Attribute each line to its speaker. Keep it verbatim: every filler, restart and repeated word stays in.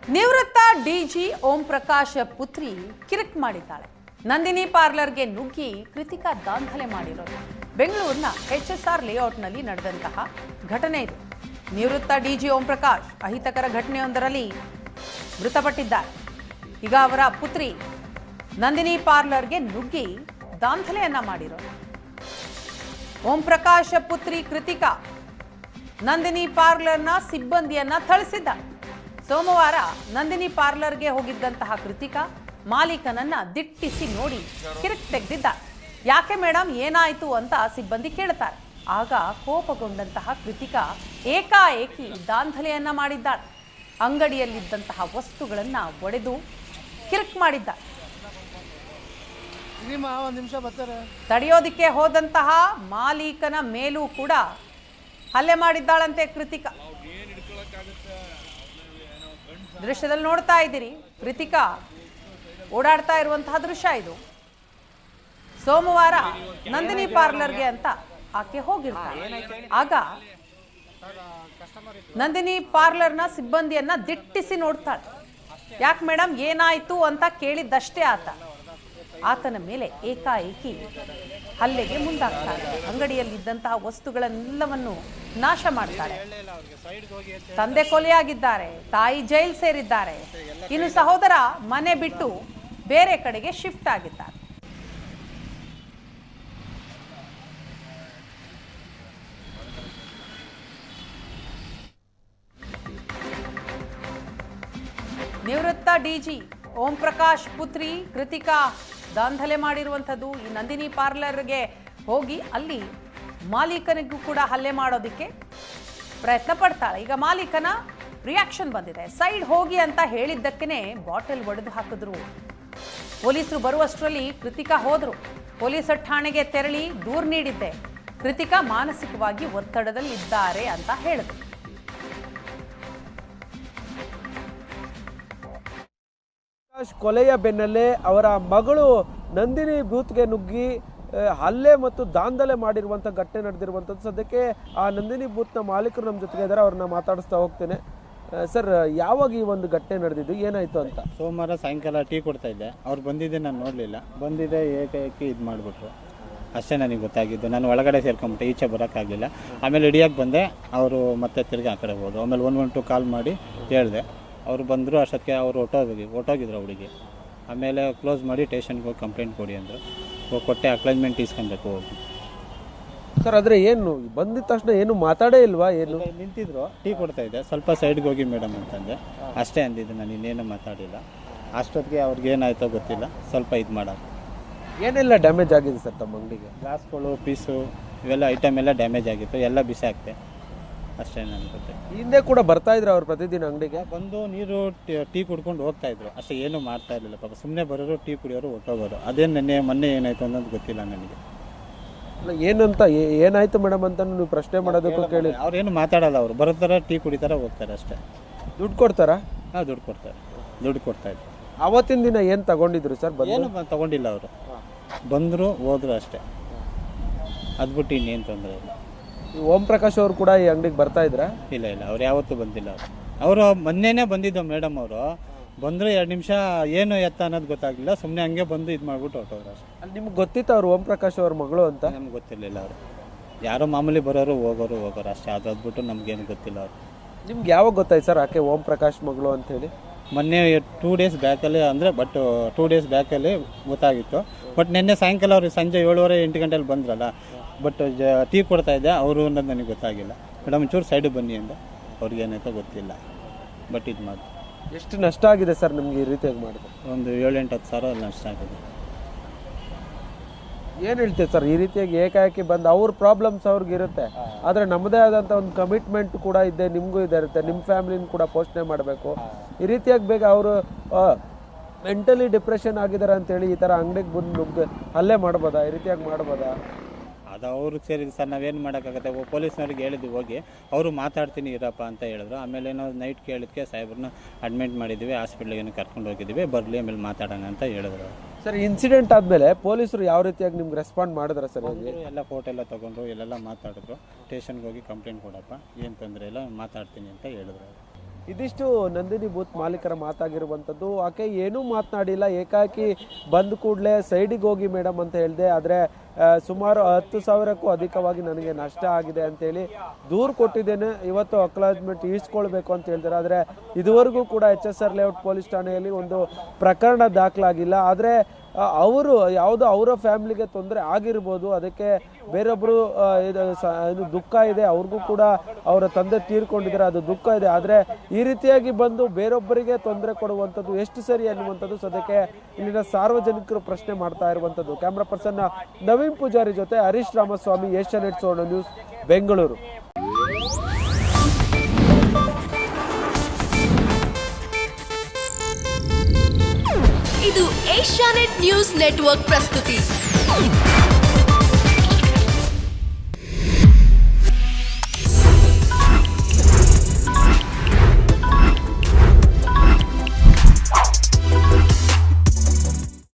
Speaker 1: ನಿವೃತ್ತ ಡಿಜಿ ಓಂ ಪ್ರಕಾಶ್ ಪುತ್ರಿ ಕಿರಿಕ್ ಮಾಡಿದ್ದಾಳೆ. ನಂದಿನಿ ಪಾರ್ಲರ್ಗೆ ನುಗ್ಗಿ ಕೃತಿಕಾ ದಾಂಧಲೆ ಮಾಡಿರೋದು ಬೆಂಗಳೂರಿನ ಎಚ್ ಎಸ್ ಆರ್ ಲೇಔಟ್ನಲ್ಲಿ ನಡೆದಂತಹ ಘಟನೆ ಇದು. ನಿವೃತ್ತ ಡಿಜಿ ಓಂ ಪ್ರಕಾಶ್ ಅಹಿತಕರ ಘಟನೆಯೊಂದರಲ್ಲಿ ಮೃತಪಟ್ಟಿದ್ದಾರೆ. ಈಗ ಅವರ ಪುತ್ರಿ ನಂದಿನಿ ಪಾರ್ಲರ್ಗೆ ನುಗ್ಗಿ ದಾಂಧಲೆಯನ್ನ ಮಾಡಿರೋದು. ಓಂ ಪ್ರಕಾಶ್ ಪುತ್ರಿ ಕೃತಿಕಾ ನಂದಿನಿ ಪಾರ್ಲರ್ನ ಸಿಬ್ಬಂದಿಯನ್ನ ಥಳಿಸಿದ್ದಾಳೆ. ಸೋಮವಾರ ನಂದಿನಿ ಪಾರ್ಲರ್ಗೆ ಹೋಗಿದ್ದಂತಹ ಕೃತಿಕಾ ಮಾಲೀಕನನ್ನ ದಿಟ್ಟಿಸಿ ನೋಡಿ ಕಿರಿಕ್ ತೆಗೆದಿದ್ದಾಳೆ. ಯಾಕೆ ಮೇಡಮ್ ಏನಾಯ್ತು ಅಂತ ಸಿಬ್ಬಂದಿ ಕೇಳ್ತಾರೆ. ಆಗ ಕೋಪಗೊಂಡಂತಹ ಕೃತಿಕಾ ಏಕಾಏಕಿ ದಾಂಧಲೆಯನ್ನ ಮಾಡಿದ್ದಾಳೆ. ಅಂಗಡಿಯಲ್ಲಿದ್ದಂತಹ ವಸ್ತುಗಳನ್ನ ಒಡೆದು ಕಿರಿಕ್ ಮಾಡಿದ್ದಾಳೆ. ತಡೆಯೋದಿಕ್ಕೆ ಹೋದಂತಹ ಮಾಲೀಕನ ಮೇಲೂ ಕೂಡ ಹಲ್ಲೆ ಮಾಡಿದ್ದಾಳಂತೆ ಕೃತಿಕಾ. ದೃಶ್ಯದಲ್ಲಿ ನೋಡ್ತಾ ಇದ್ದೀರಿ, ಕೃತಿಕಾ ಓಡಾಡ್ತಾ ಇರುವಂತಹ ದೃಶ್ಯ ಇದು. ಸೋಮವಾರ ನಂದಿನಿ ಪಾರ್ಲರ್ಗೆ ಅಂತ ಆಕೆ ಹೋಗಿರ್ತಾಳೆ. ಆಗ ನಂದಿನಿ ಪಾರ್ಲರ್ನ ಸಿಬ್ಬಂದಿಯನ್ನ ದಿಟ್ಟಿಸಿ ನೋಡ್ತಾಳೆ. ಯಾಕೆ ಮೇಡಮ್ ಏನಾಯ್ತು ಅಂತ ಕೇಳಿದ್ದಷ್ಟೇ ಆತ ಆತನ ಮೇಲೆ ಏಕಾಏಕಿ ಹಲ್ಲೆಗೆ ಮುಂದಾಗ್ತಾಳೆ. ಅಂಗಡಿಯಲ್ಲಿದ್ದಂತಹ ವಸ್ತುಗಳನ್ನೆಲ್ಲವನ್ನು ನಾಶ ಮಾಡ್ತಾಳೆ. ತಂದೆ ಕೊಲೆಯಾಗಿದ್ದಾರೆ, ತಾಯಿ ಜೈಲ್ ಸೇರಿದ್ದಾರೆ, ಇನ್ನು ಸಹೋದರ ಮನೆ ಬಿಟ್ಟು ಬೇರೆ ಕಡೆಗೆ ಶಿಫ್ಟ್ ಆಗಿದ್ದಾರೆ. ನಿವೃತ್ತ ಡಿಜಿ ಓಂ ಪ್ರಕಾಶ್ ಪುತ್ರಿ ಕೃತಿಕಾ ದಾಂಧಲೆ ಮಾಡಿರುವಂಥದ್ದು. ಈ ನಂದಿನಿ ಪಾರ್ಲರ್ಗೆ ಹೋಗಿ ಅಲ್ಲಿ ಮಾಲೀಕನಿಗೂ ಕೂಡ ಹಲ್ಲೆ ಮಾಡೋದಕ್ಕೆ ಪ್ರಯತ್ನ ಪಡ್ತಾಳೆ. ಈಗ ಮಾಲೀಕನ ರಿಯಾಕ್ಷನ್ ಬಂದಿದೆ. ಸೈಡ್ ಹೋಗಿ ಅಂತ ಹೇಳಿದ್ದಕ್ಕೇನೆ ಬಾಟಲ್ ಒಡೆದು ಹಾಕಿದ್ರು. ಪೊಲೀಸರು ಬರುವಷ್ಟರಲ್ಲಿ ಕೃತಿಕಾ ಹೋದ್ರು. ಪೊಲೀಸರ ಠಾಣೆಗೆ ತೆರಳಿ ದೂರು ನೀಡಿದ್ದೆ. ಕೃತಿಕಾ ಮಾನಸಿಕವಾಗಿ ಒತ್ತಡದಲ್ಲಿ ಇದ್ದಾರೆ ಅಂತ ಹೇಳಿದ್ರು.
Speaker 2: ಕೊಲೆಯ ಬೆನ್ನಲ್ಲೇ ಅವರ ಮಗಳು ನಂದಿನಿ ಬೂತ್ಗೆ ನುಗ್ಗಿ ಹಲ್ಲೆ ಮತ್ತು ದಾಂಧಲೆ ಮಾಡಿರುವಂಥ ಘಟನೆ ನಡೆದಿರುವಂಥದ್ದು. ಸದ್ಯಕ್ಕೆ ಆ ನಂದಿನಿ ಬೂತ್ನ ಮಾಲೀಕರು ನಮ್ಮ ಜೊತೆಗೆ ಇದ್ದಾರೆ, ಅವ್ರನ್ನ ಮಾತಾಡಿಸ್ತಾ ಹೋಗ್ತೇನೆ. ಸರ್, ಯಾವಾಗ ಈ ಒಂದು ಘಟನೆ ನಡೆದಿದ್ದು, ಏನಾಯ್ತು ಅಂತ?
Speaker 3: ಸೋಮವಾರ ಸಾಯಂಕಾಲ ಟೀ ಕೊಡ್ತಾ ಇದ್ದೆ. ಅವ್ರು ಬಂದಿದ್ದೆ ನಾನು ನೋಡಲಿಲ್ಲ. ಬಂದಿದ್ದೆ ಏಕಾಏಕಿ ಇದು ಮಾಡಿಬಿಟ್ರು. ಅಷ್ಟೇ ನನಗೆ ಗೊತ್ತಾಗಿದ್ದು. ನಾನು ಒಳಗಡೆ ಸೇರ್ಕೊಂಬಿಟ್ಟೆ, ಈಚೆ ಬರೋಕ್ಕಾಗಲಿಲ್ಲ. ಆಮೇಲೆ ಹಿಡಿಯೋಕ್ಕೆ ಬಂದೆ. ಅವರು ಮತ್ತೆ ತಿರುಗಿ ಆ ಕಡೆ ಹೋದ್ರು. ಆಮೇಲೆ ಒನ್ ಒನ್ ಟು ಕಾಲ್ ಮಾಡಿ ಹೇಳಿದೆ. ಅವರು ಬಂದರು. ಅಷ್ಟೊತ್ತಿಗೆ ಅವರು ಹೊಟ್ಟೋಗಿ ಹೊಟ್ಟೋಗಿದ್ರು ಹುಡುಗಿ. ಆಮೇಲೆ ಕ್ಲೋಸ್ ಮಾಡಿ ಸ್ಟೇಷನ್ಗೆ ಹೋಗಿ ಕಂಪ್ಲೇಂಟ್ ಕೊಡಿ ಅಂದರು. ಹೋಗಿ ಕೊಟ್ಟೆ. ಅಕ್ಲೈನ್ಮೆಂಟ್ ಇಸ್ಕೊಬೇಕು ಹೋಗಿ.
Speaker 2: ಸರ್, ಆದರೆ ಏನು ಬಂದಿದ ತಕ್ಷಣ ಏನು ಮಾತಾಡೇ ಇಲ್ವಾ? ಏನು
Speaker 3: ನಿಂತಿದ್ರು, ಟೀ ಕೊಡ್ತಾ ಇದ್ದೆ. ಸ್ವಲ್ಪ ಸೈಡ್ಗೆ ಹೋಗಿ ಮೇಡಮ್ ಅಂತಂದೆ. ಅಷ್ಟೇ ಅಂದಿದ್ದು, ನಾನು ಇನ್ನೇನು ಮಾತಾಡಿಲ್ಲ. ಅಷ್ಟೊತ್ತಿಗೆ ಅವ್ರಿಗೆ ಏನಾಯ್ತೋ ಗೊತ್ತಿಲ್ಲ, ಸ್ವಲ್ಪ ಇದು ಮಾಡೋದು.
Speaker 2: ಏನೆಲ್ಲ ಡ್ಯಾಮೇಜ್ ಆಗಿದೆ ಸರ್ ತಮ್ಮ ಅಂಗಡಿಗೆ?
Speaker 3: ಗ್ಲಾಸ್ಗಳು, ಪೀಸು, ಇವೆಲ್ಲ ಐಟಮ್ ಎಲ್ಲ ಡ್ಯಾಮೇಜ್ ಆಗಿತ್ತು. ಎಲ್ಲ ಬಿಸಿ ಆಗ್ತೆ. ಅಷ್ಟೇ ನನಗೆ ಗೊತ್ತೆ.
Speaker 2: ಹಿಂದೆ ಕೂಡ ಬರ್ತಾ ಇದ್ರು ಅವ್ರು ಪ್ರತಿದಿನ ಅಂಗಡಿಗೆ?
Speaker 3: ಬಂದು ನೀರು ಟೀ ಕುಡ್ಕೊಂಡು ಹೋಗ್ತಾ ಇದ್ರು. ಅಷ್ಟೇ, ಏನು ಮಾಡ್ತಾ ಇರಲಿಲ್ಲ ಪಾಪ. ಸುಮ್ಮನೆ ಬರೋರು, ಟೀ ಕುಡಿಯೋರು, ಹೊಟ್ಟೋಗೋರು. ಅದೇನು ನೆನ್ನೆ ಮೊನ್ನೆ ಏನಾಯ್ತು ಅನ್ನೋದು ಗೊತ್ತಿಲ್ಲ ನನಗೆ.
Speaker 2: ಏನಂತ ಏನಾಯ್ತು ಮೇಡಮ್ ಅಂತ ನೀವು ಪ್ರಶ್ನೆ ಮಾಡೋದಕ್ಕೂ ಕೇಳಿ?
Speaker 3: ಅವ್ರೇನು ಮಾತಾಡಲ್ಲ. ಅವರು ಬರ್ತಾರೆ, ಟೀ ಕುಡಿತಾರೆ, ಹೋಗ್ತಾರೆ ಅಷ್ಟೇ.
Speaker 2: ದುಡ್ಡು ಕೊಡ್ತಾರಾ?
Speaker 3: ಹಾಂ, ದುಡ್ಡು ಕೊಡ್ತಾರೆ. ದುಡ್ಡು ಕೊಡ್ತಾ ಇದ್ರು.
Speaker 2: ಅವತ್ತಿನ ದಿನ ಏನು ತಗೊಂಡಿದ್ರು ಸರ್?
Speaker 3: ಏನು ತಗೊಂಡಿಲ್ಲ ಅವರು. ಬಂದರು, ಹೋದ್ರು ಅಷ್ಟೇ. ಅದು ಬಿಟ್ಟು ಇನ್ನೇನು ತೊಂದರೆ ಇಲ್ಲ.
Speaker 2: ಓಂ ಪ್ರಕಾಶ್ ಅವರು ಕೂಡ ಈ ಅಂಗಡಿಗೆ ಬರ್ತಾ ಇದ್ರ?
Speaker 3: ಇಲ್ಲ ಇಲ್ಲ, ಅವ್ರು ಯಾವತ್ತೂ ಬಂದಿಲ್ಲ. ಅವರು ಅವರು ಮೊನ್ನೆನೇ ಬಂದಿದ್ದು ಮೇಡಮ್. ಅವರು ಬಂದರು, ಎರಡು ನಿಮಿಷ ಏನು ಎತ್ತ ಅನ್ನೋದು ಗೊತ್ತಾಗಲಿಲ್ಲ. ಸುಮ್ಮನೆ ಹಂಗೆ ಬಂದು ಇದು ಮಾಡ್ಬಿಟ್ಟು ಹೊರಟೋರು ಅಷ್ಟೇ.
Speaker 2: ಅಲ್ಲಿ ನಿಮ್ಗೆ ಗೊತ್ತಿತ್ತು ಅವ್ರು ಓಂ ಪ್ರಕಾಶ್ ಅವ್ರ ಮಗಳು ಅಂತ?
Speaker 3: ನಮ್ಗೆ ಗೊತ್ತಿರಲಿಲ್ಲ. ಅವರು ಯಾರೋ ಮಾಮೂಲಿ ಬರೋರು, ಹೋಗೋರು ಹೋಗೋರು ಅಷ್ಟೇ. ಅದು ಅದ್ಬಿಟ್ಟು ನಮ್ಗೇನು ಗೊತ್ತಿಲ್ಲ. ಅವರು
Speaker 2: ನಿಮ್ಗೆ ಯಾವಾಗ ಗೊತ್ತಾಯ್ತು ಸರ್ ಆಕೆ ಓಂ ಪ್ರಕಾಶ್ ಮಗಳು ಅಂತ ಹೇಳಿ?
Speaker 3: ಮೊನ್ನೆ ಟೂ ಡೇಸ್ ಬ್ಯಾಕಲ್ಲಿ, ಅಂದರೆ ಬಟ್ ಟೂ ಡೇಸ್ ಬ್ಯಾಕಲ್ಲಿ ಗೊತ್ತಾಗಿತ್ತು. ಬಟ್ ನಿನ್ನೆ ಸಾಯಂಕಾಲ ಅವ್ರಿಗೆ ಸಂಜೆ ಏಳುವರೆ ಎಂಟು ಗಂಟೆಲಿ ಬಂದ್ರಲ್ಲ. ಬಟ್ ಜ ಟೀ ಕೊಡ್ತಾ ಇದ್ದೆ. ಅವರು ಅನ್ನೋದು ನನಗೆ ಗೊತ್ತಾಗಿಲ್ಲ. ಮೇಡಮ್ ಒಂಚೂರು ಸೈಡಿಗೆ ಬನ್ನಿ ಅಂದೆ. ಅವ್ರಿಗೇನಾಯ್ತೋ ಗೊತ್ತಿಲ್ಲ. ಬಟ್ ಇದು ಮಾಡಿ.
Speaker 2: ಎಷ್ಟು ನಷ್ಟ ಆಗಿದೆ ಸರ್ ನಿಮ್ಗೆ ಈ ರೀತಿಯಾಗಿ ಮಾಡಿದ್ರೆ?
Speaker 3: ಒಂದು ಏಳೆಂಟು ಹತ್ತು ಸಾವಿರ ನಷ್ಟ ಆಗಿದೆ.
Speaker 2: ಏನು ಹೇಳ್ತೀವಿ ಸರ್, ಈ ರೀತಿಯಾಗಿ ಏಕಾಏಕಿ ಬಂದು ಅವ್ರ ಪ್ರಾಬ್ಲಮ್ಸ್ ಅವ್ರಿಗೆ ಇರುತ್ತೆ. ಆದರೆ ನಮ್ಮದೇ ಆದಂಥ ಒಂದು ಕಮಿಟ್ಮೆಂಟ್ ಕೂಡ ಇದೆ, ನಿಮಗೂ ಇದೆ ಇರುತ್ತೆ. ನಿಮ್ಮ ಫ್ಯಾಮಿಲಿನ ಕೂಡ ಪೋಷಣೆ ಮಾಡಬೇಕು. ಈ ರೀತಿಯಾಗಿ ಬೇಗ ಅವರು ಮೆಂಟಲಿ ಡಿಪ್ರೆಷನ್ ಆಗಿದ್ದಾರೆ ಅಂತೇಳಿ ಈ ಥರ ಅಂಗಡಿಗೆ ಬಂದು ನುಗ್ಗ ಹಲ್ಲೆ ಮಾಡ್ಬೋದಾ? ಈ ರೀತಿಯಾಗಿ ಮಾಡ್ಬೋದಾ?
Speaker 3: ಅದು ಅವ್ರಿಗೆ ಸೇರಿದ್ದು ಸರ್. ನಾವೇನು ಮಾಡೋಕ್ಕಾಗತ್ತೆ? ಪೊಲೀಸ್ನವ್ರಿಗೆ ಹೇಳಿದ್ವಿ ಹೋಗಿ. ಅವರು ಮಾತಾಡ್ತೀನಿ ಇರಪ್ಪ ಅಂತ ಹೇಳಿದ್ರು. ಆಮೇಲೆ ಏನೋ ನೈಟ್ ಕೇಳಿದ್ಕೆ ಸಾಹೇಬ್ರನ್ನ ಅಡ್ಮಿಟ್ ಮಾಡಿದ್ವಿ, ಹಾಸ್ಪಿಟ್ಲಿಗೆ ಕರ್ಕೊಂಡು ಹೋಗಿದ್ವಿ, ಬರಲಿ ಆಮೇಲೆ ಮಾತಾಡೋಣ ಅಂತ ಹೇಳಿದ್ರು.
Speaker 2: ಸರ್, ಇನ್ಸಿಡೆಂಟ್ ಆದಮೇಲೆ ಪೊಲೀಸರು ಯಾವ ರೀತಿಯಾಗಿ ನಿಮ್ಗೆ ರೆಸ್ಪಾಂಡ್ ಮಾಡಿದ್ರೆ ಸರ್?
Speaker 3: ಎಲ್ಲ ಫೋಟೋ ಎಲ್ಲ ತೊಗೊಂಡ್ರು, ಎಲ್ಲೆಲ್ಲ ಮಾತಾಡಿದ್ರು. ಸ್ಟೇಷನ್ಗೆ ಹೋಗಿ ಕಂಪ್ಲೇಂಟ್ ಕೊಡಪ್ಪ, ಏನು ತೊಂದರೆ ಇಲ್ಲ, ಮಾತಾಡ್ತೀನಿ ಅಂತ ಹೇಳಿದ್ರು.
Speaker 2: ಇದಿಷ್ಟು ನಂದಿನಿ ಬೂತ್ ಮಾಲೀಕರ ಮಾತಾಗಿರುವಂಥದ್ದು. ಆಕೆ ಏನೂ ಮಾತನಾಡಿಲ್ಲ, ಏಕಾಏಕಿ ಬಂದ ಕೂಡಲೇ ಸೈಡಿಗೆ ಹೋಗಿ ಮೇಡಮ್ ಅಂತ ಹೇಳಿದೆ. ಆದರೆ ಸುಮಾರು ಹತ್ತು ಸಾವಿರಕ್ಕೂ ಅಧಿಕವಾಗಿ ನನಗೆ ನಷ್ಟ ಆಗಿದೆ ಅಂತೇಳಿ ದೂರು ಕೊಟ್ಟಿದ್ದೇನೆ, ಇವತ್ತು ಅಕ್ಲಾಜ್ಮೆಂಟ್ ಈಸ್ಕೊಳ್ಬೇಕು ಅಂತ ಹೇಳ್ತಾರೆ. ಆದರೆ ಇದುವರೆಗೂ ಕೂಡ H S R layout police ಠಾಣೆಯಲ್ಲಿ ಒಂದು ಪ್ರಕರಣ ದಾಖಲಾಗಿಲ್ಲ. ಆದರೆ ಅವರು ಯಾವುದೋ ಅವರ ಫ್ಯಾಮಿಲಿಗೆ ತೊಂದರೆ ಆಗಿರ್ಬೋದು, ಅದಕ್ಕೆ ಬೇರೊಬ್ಬರು ಇದು ಇದು ದುಃಖ ಇದೆ, ಅವ್ರಿಗೂ ಕೂಡ ಅವರ ತಂದೆ ತೀರ್ಕೊಂಡಿದ್ದಾರೆ, ಅದು ದುಃಖ ಇದೆ. ಆದರೆ ಈ ರೀತಿಯಾಗಿ ಬಂದು ಬೇರೊಬ್ಬರಿಗೆ ತೊಂದರೆ ಕೊಡುವಂಥದ್ದು ಎಷ್ಟು ಸರಿ ಅನ್ನುವಂಥದ್ದು ಸದ್ಯಕ್ಕೆ ಇಲ್ಲಿನ ಸಾರ್ವಜನಿಕರು ಪ್ರಶ್ನೆ ಮಾಡ್ತಾ ಇರುವಂಥದ್ದು. ಕ್ಯಾಮ್ರಾ ಪರ್ಸನ್ ನವೀನ್ ಪೂಜಾರಿ ಜೊತೆ ಹರೀಶ್ ರಾಮಸ್ವಾಮಿ, ಏಷ್ಯಾನೆಟ್ ಸುವರ್ಣ ನ್ಯೂಸ್, ಬೆಂಗಳೂರು.
Speaker 4: ಇದು ಏಷ್ಯಾನೆಟ್ ನ್ಯೂಸ್ ನೆಟ್ವರ್ಕ್ ಪ್ರಸ್ತುತಿ.